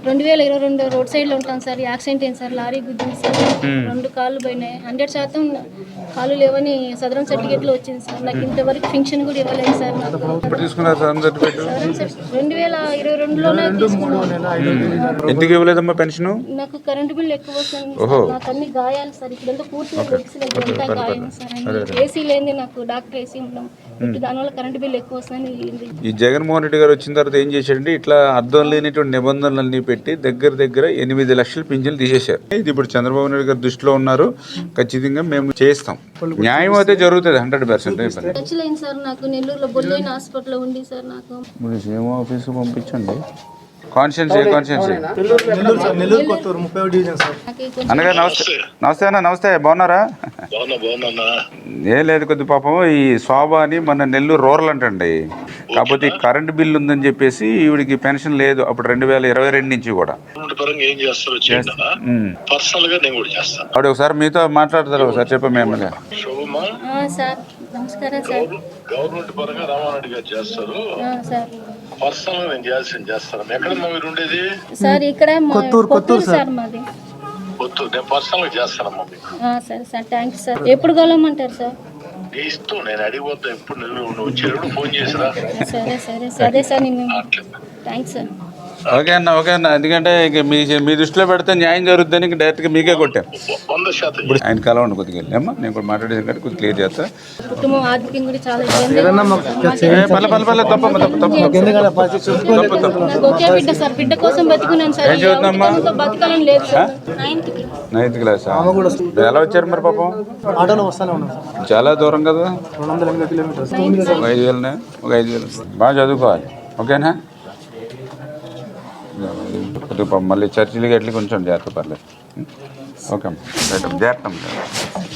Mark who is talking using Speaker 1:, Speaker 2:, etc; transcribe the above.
Speaker 1: 2022 road సైడ్లో ఉంటాను sir. Accident అయింది సార్, లారీ గుద్దింది సార్. 2 కాళ్ళు పోయినాయి. 100% కాళ్ళు లేవని సదరం సర్టిఫికేట్లో వచ్చింది సార్. నాకు ఇంతవరకు ఫింక్షన్ కూడా ఇవ్వలేదు సార్. నాకు 2022లోనే తీసుకున్నాను.
Speaker 2: ఎందుకు ఇవ్వలేదమ్మా పెన్షన్?
Speaker 1: నాకు కరెంటు బిల్ ఎక్కువ వస్తుంది. నాకు అన్ని గాయాలు సార్. ఇక్కడంతా పూర్తిగా అంతా గాయం సార్. ఏసీ లేని నాకు డాక్టర్ ఏసీ ఉండడం, దానివల్ల కరెంటు బిల్ ఎక్కువ వస్తుంది.
Speaker 2: ఈ జగన్మోహన్ రెడ్డి గారు వచ్చిన తర్వాత ఏం చేశారంటే ఇట్లా అర్థం లేనిటువంటి నిబంధనలన్నీ పెట్టి దగ్గర 8 లక్షల పింఛన్లు తీసేశారు. ఇది ఇప్పుడు చంద్రబాబు నాయుడు గారు దృష్టిలో ఉన్నారు. ఖచ్చితంగా మేము చేస్తాం. న్యాయం అయితే జరుగుతుంది 100%.
Speaker 1: ఖచ్చితంగా సార్. నాకు నెల్లూరులో బొల్లోయిన హాస్పిటల్లో ఉంది సార్. నాకు
Speaker 2: ఏమో ఆఫీసు పంపించండి. కాన్స్టిట్యున్సీ అన్నగారు నమస్తే అన్న. నమస్తే, బాగున్నారా? ఏం లేదు, కొద్ది పాపం ఈ శోభ అని మన నెల్లూరు రూరల్ అంటండి. కాకపోతే ఈ కరెంట్ బిల్ ఉందని చెప్పేసి ఈవిడికి పెన్షన్ లేదు అప్పుడు 2022 నుంచి కూడా. ఆవిడ ఒకసారి మీతో మాట్లాడతారు, ఒకసారి చెప్పండి ఎమ్మెల్యే.
Speaker 1: నమస్కారం సార్.
Speaker 3: గవర్నమెంట్ పరంగా రామారెడ్డి గారు చేస్తారు. పర్సనల్ నేను చేస్తాను. ఎక్కడమ్మా మీరు ఉండేది?
Speaker 1: సార్ ఇక్కడ కొత్తూరు సార్ మాది.
Speaker 3: కొత్తూరు. నేను పర్సనల్ చేస్తానమ్మా మీకు.
Speaker 1: సరే సార్, థ్యాంక్స్ సార్. ఎప్పుడు కలవమంటారు సార్?
Speaker 3: నీ ఇష్టం, నేను అడిగిపోతా. ఎప్పుడు నువ్వు వచ్చేటప్పుడు ఫోన్ చేసిరా.
Speaker 1: సరే సార్. నేను థ్యాంక్స్ సార్.
Speaker 2: ఓకే అన్న. ఎందుకంటే ఇక మీ దృష్టిలో పెడితే న్యాయం జరుగుతుందని ఇంక డైరెక్ట్గా మీకే కొట్టాం.
Speaker 3: 100%
Speaker 2: ఇప్పుడు ఆయన కలవండి కొద్దిగా అమ్మా. నేను కూడా మాట్లాడేది కంటే కొద్దిగా క్లియర్ చేస్తా.
Speaker 1: కుటుంబం ఆర్థికం కూడా చాలా ఒకే బిడ్డ సార్. బిడ్డ కోసం బతుకున్నాను సార్. బతకాలని లేదు సార్.
Speaker 2: 9th class. ఎలా వచ్చారు మరి పాపం? చాలా దూరం కదా. 5,000 బాగా చదువుకోవాలి. ఓకేనా? మళ్ళీ చర్చిలకి ఎట్లా కొంచెం జాగ్రత్త పర్లేదు. ఓకే అమ్మా, జాగ్రత్త.